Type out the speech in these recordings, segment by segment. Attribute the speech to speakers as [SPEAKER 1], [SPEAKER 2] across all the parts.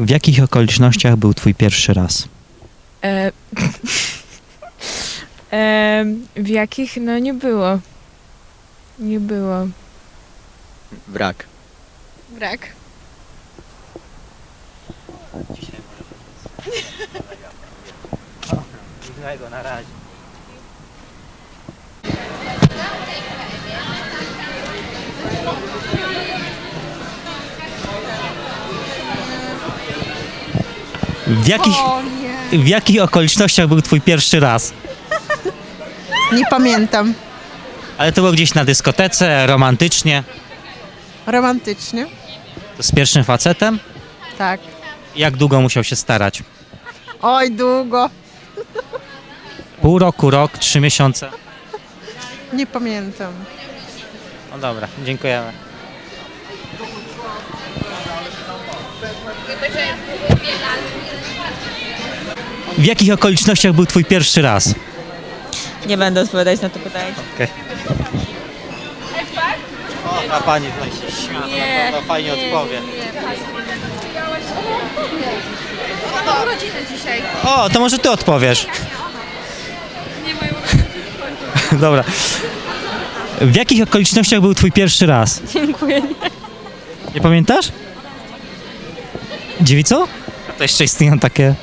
[SPEAKER 1] W jakich okolicznościach był twój pierwszy raz?
[SPEAKER 2] E, w jakich? No nie było. Nie było.
[SPEAKER 3] Brak.
[SPEAKER 2] Brak.
[SPEAKER 1] Miłego, na razie. W jakich okolicznościach był twój pierwszy raz?
[SPEAKER 4] Nie pamiętam.
[SPEAKER 1] Ale to było gdzieś na dyskotece, romantycznie.
[SPEAKER 4] Romantycznie?
[SPEAKER 1] To z pierwszym facetem?
[SPEAKER 4] Tak.
[SPEAKER 1] Jak długo musiał się starać?
[SPEAKER 4] Oj, długo.
[SPEAKER 1] Pół roku, rok, 3 miesiące?
[SPEAKER 4] Nie pamiętam.
[SPEAKER 1] No dobra, dziękujemy. W jakich okolicznościach był twój pierwszy raz?
[SPEAKER 5] Nie będę odpowiadać na to pytanie.
[SPEAKER 1] Okay. O, ta pani tutaj się śmieje, to fajnie odpowie. O, to może ty odpowiesz. Dobra. W jakich okolicznościach był twój pierwszy raz?
[SPEAKER 5] Dziękuję.
[SPEAKER 1] Nie pamiętasz? Dziewicą? A to jeszcze istnieją takie...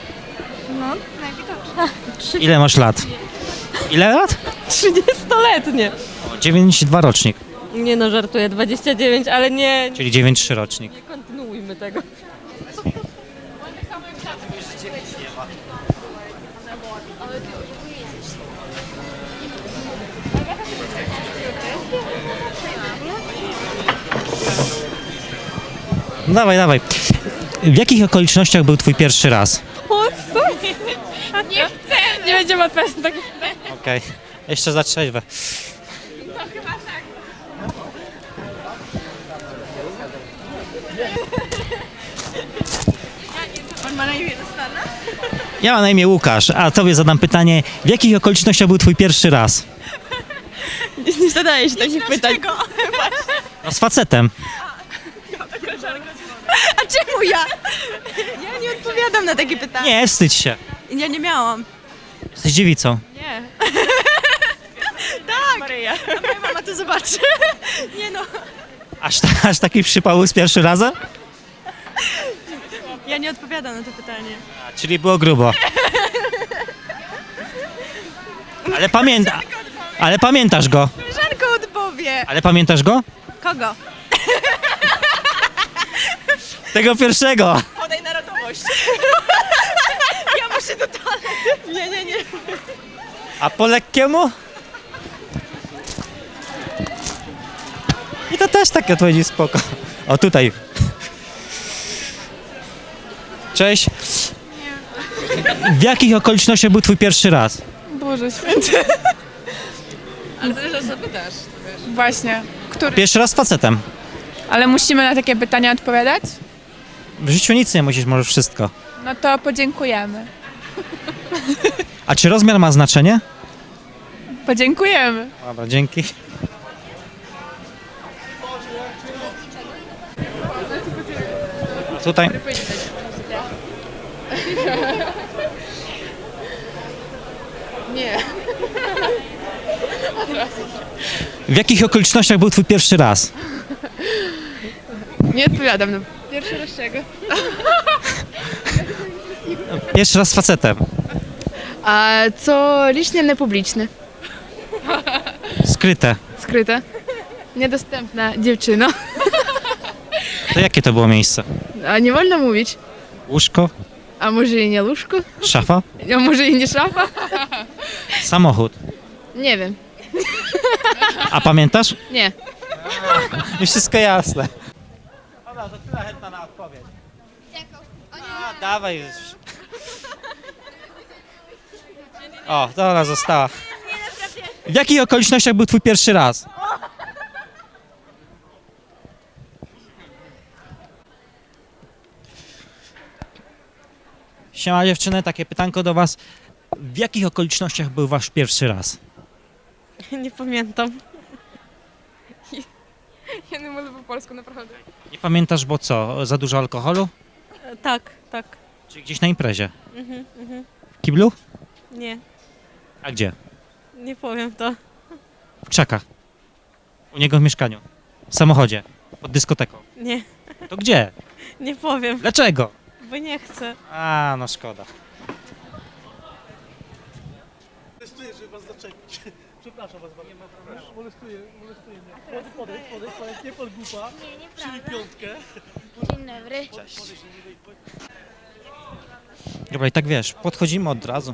[SPEAKER 1] Ile masz lat? Ile lat?
[SPEAKER 5] 30-letnie.
[SPEAKER 1] 9,2 rocznik,
[SPEAKER 5] Nie no, żartuję. 29, ale nie
[SPEAKER 1] czyli 9,3 rocznik.
[SPEAKER 5] kontynuujmy tego.
[SPEAKER 1] No dawaj, dawaj. W jakich okolicznościach był twój pierwszy raz?
[SPEAKER 5] O co? Nie będziemy odpowiadać na takie pytanie.
[SPEAKER 1] Okej. Jeszcze za trzeźwe. Ja mam na imię Łukasz, a tobie zadam pytanie, w jakich okolicznościach był twój pierwszy raz?
[SPEAKER 5] Nie zadaje się takich pytań.
[SPEAKER 1] No z facetem.
[SPEAKER 5] A czemu ja? Ja nie odpowiadam na takie pytania.
[SPEAKER 1] Nie, wstydź się.
[SPEAKER 5] Ja nie miałam.
[SPEAKER 1] Jesteś dziewicą.
[SPEAKER 5] Nie. Tak. Maryja. A moja mama to zobaczy. Nie no.
[SPEAKER 1] Aż taki przypał z pierwszy razem?
[SPEAKER 5] Ja nie odpowiadam na to pytanie.
[SPEAKER 1] Czyli było grubo. Ale pamiętasz go.
[SPEAKER 5] Koleżanka odpowie.
[SPEAKER 1] Ale pamiętasz go?
[SPEAKER 5] Kogo?
[SPEAKER 1] Tego pierwszego.
[SPEAKER 5] Podaj narodowość. Ja muszę do toalety. Nie.
[SPEAKER 1] A po lekkiemu? I to też takie odpowiedzi spoko. O tutaj. Cześć. W jakich okolicznościach był twój pierwszy raz?
[SPEAKER 2] Boże święty.
[SPEAKER 5] Ale to już zapytasz.
[SPEAKER 2] Właśnie. Który?
[SPEAKER 1] Pierwszy raz z facetem.
[SPEAKER 2] Ale musimy na takie pytania odpowiadać?
[SPEAKER 1] W życiu nic nie musisz, możesz wszystko.
[SPEAKER 2] No to podziękujemy.
[SPEAKER 1] A czy rozmiar ma znaczenie?
[SPEAKER 2] Podziękujemy.
[SPEAKER 1] Dobra, dzięki. A tutaj.
[SPEAKER 5] Nie.
[SPEAKER 1] W jakich okolicznościach był twój pierwszy raz?
[SPEAKER 2] Nie odpowiadam. No. Pierwszy raz czego?
[SPEAKER 1] Pierwszy raz z facetem.
[SPEAKER 6] A co licznie nepubliczne?
[SPEAKER 1] Skryte.
[SPEAKER 6] Skryte? Niedostępna dziewczyno.
[SPEAKER 1] To jakie to było miejsce?
[SPEAKER 6] A nie wolno mówić.
[SPEAKER 1] Łóżko?
[SPEAKER 6] A może i nie łóżko?
[SPEAKER 1] Szafa?
[SPEAKER 6] A może i nie szafa?
[SPEAKER 1] Samochód?
[SPEAKER 6] Nie wiem.
[SPEAKER 1] A pamiętasz?
[SPEAKER 6] Nie.
[SPEAKER 1] Już wszystko jasne. Dobra, to tyle chętna na odpowiedź. A, dawaj już. O, to ona została. W jakich okolicznościach był twój pierwszy raz? Siema dziewczyny, takie pytanko do was. W jakich okolicznościach był wasz pierwszy raz?
[SPEAKER 5] Nie pamiętam.
[SPEAKER 2] Ja nie mówię po polsku, naprawdę.
[SPEAKER 1] Nie pamiętasz, bo co? Za dużo alkoholu?
[SPEAKER 5] Tak, tak.
[SPEAKER 1] Czyli gdzieś na imprezie? W kiblu?
[SPEAKER 5] Nie,
[SPEAKER 1] A gdzie?
[SPEAKER 5] nie powiem to.
[SPEAKER 1] W krzakach. U niego w mieszkaniu. W samochodzie. Pod dyskoteką.
[SPEAKER 5] Nie,
[SPEAKER 1] To gdzie?
[SPEAKER 5] nie powiem,
[SPEAKER 1] Dlaczego?
[SPEAKER 5] bo nie chcę.
[SPEAKER 1] A, no szkoda.
[SPEAKER 7] Molestuję, żeby was zaczepić. Przepraszam was bardzo. Molestuję mnie. Podejdź, nie pan głupa.
[SPEAKER 8] Nie,
[SPEAKER 7] Przyjmij
[SPEAKER 8] nieprawda.
[SPEAKER 7] piątkę.
[SPEAKER 8] Dzień dobry.
[SPEAKER 1] Dobra, i tak wiesz, podchodzimy od razu.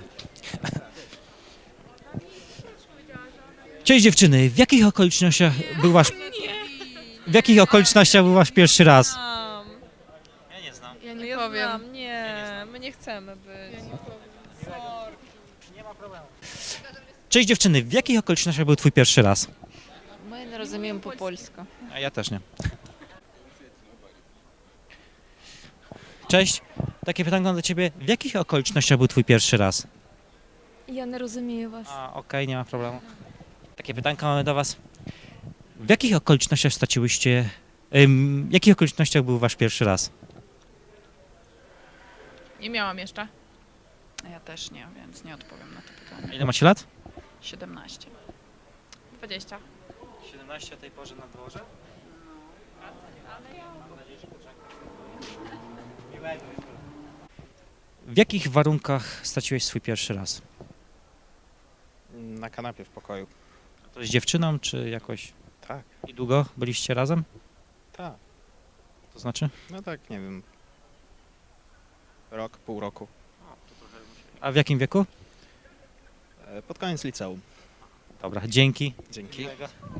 [SPEAKER 1] Cześć dziewczyny, w jakich okolicznościach był wasz... W jakich okolicznościach był wasz pierwszy raz? Ja nie znam.
[SPEAKER 6] Ja nie powiem.
[SPEAKER 2] Nie, my nie chcemy być.
[SPEAKER 1] Cześć dziewczyny, w jakich okolicznościach był twój pierwszy raz?
[SPEAKER 6] Ми не розуміємо по-польську.
[SPEAKER 1] A ja też nie. Cześć, takie pytanko do ciebie. W jakich okolicznościach był twój pierwszy raz?
[SPEAKER 2] Я не розумію вас.
[SPEAKER 1] A, okej, nie ma problemu. Takie pytanko mamy do was. W jakich okolicznościach straciłyście... w jakich okolicznościach był wasz pierwszy raz?
[SPEAKER 6] Nie miałam jeszcze.
[SPEAKER 9] Ja też nie, więc nie odpowiem na to pytanie.
[SPEAKER 1] Ile macie lat?
[SPEAKER 9] 17.
[SPEAKER 6] 20.
[SPEAKER 1] 17 o tej porze na dworze? W jakich warunkach straciłeś swój pierwszy raz?
[SPEAKER 10] Na kanapie w pokoju.
[SPEAKER 1] To z dziewczyną, czy jakoś...
[SPEAKER 10] Tak.
[SPEAKER 1] I długo byliście razem?
[SPEAKER 10] Tak.
[SPEAKER 1] To znaczy?
[SPEAKER 10] No tak, nie wiem. Rok, pół roku.
[SPEAKER 1] A w jakim wieku?
[SPEAKER 10] Pod koniec liceum.
[SPEAKER 1] Dobra, dzięki.
[SPEAKER 10] Dzięki.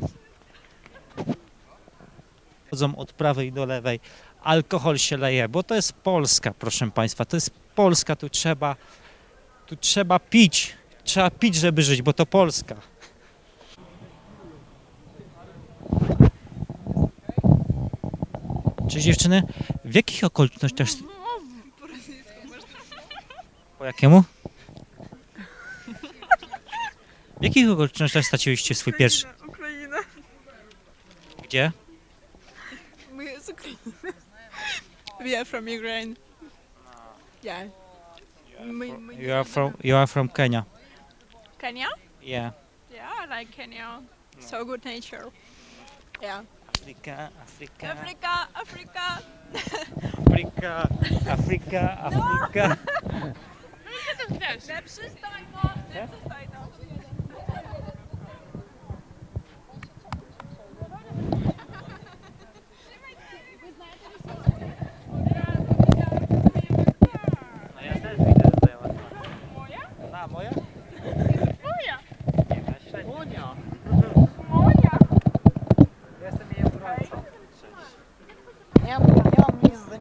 [SPEAKER 1] Chodzą od prawej do lewej, alkohol się leje, bo to jest Polska, proszę Państwa, to jest Polska, tu trzeba pić, żeby żyć, bo to Polska. Cześć dziewczyny, w jakich okolicznościach... Po jakiemu? W jakich okolicznościach straciłyście swój pierwszy...
[SPEAKER 5] Україна.
[SPEAKER 1] Gdzie?
[SPEAKER 5] Ми з України. We are from Ukraine. Yeah.
[SPEAKER 1] You are from Kenya.
[SPEAKER 5] Kenya?
[SPEAKER 1] Yeah.
[SPEAKER 5] Yeah, I like Kenya. So good nature. Yeah.
[SPEAKER 1] Afryka.
[SPEAKER 5] Africa, Africa.
[SPEAKER 1] Afryka.
[SPEAKER 5] Nie przestań no, nie przestań no.
[SPEAKER 1] No ja też widzę, że ja moja? Moja? Moja? Moja. Nie, średnio.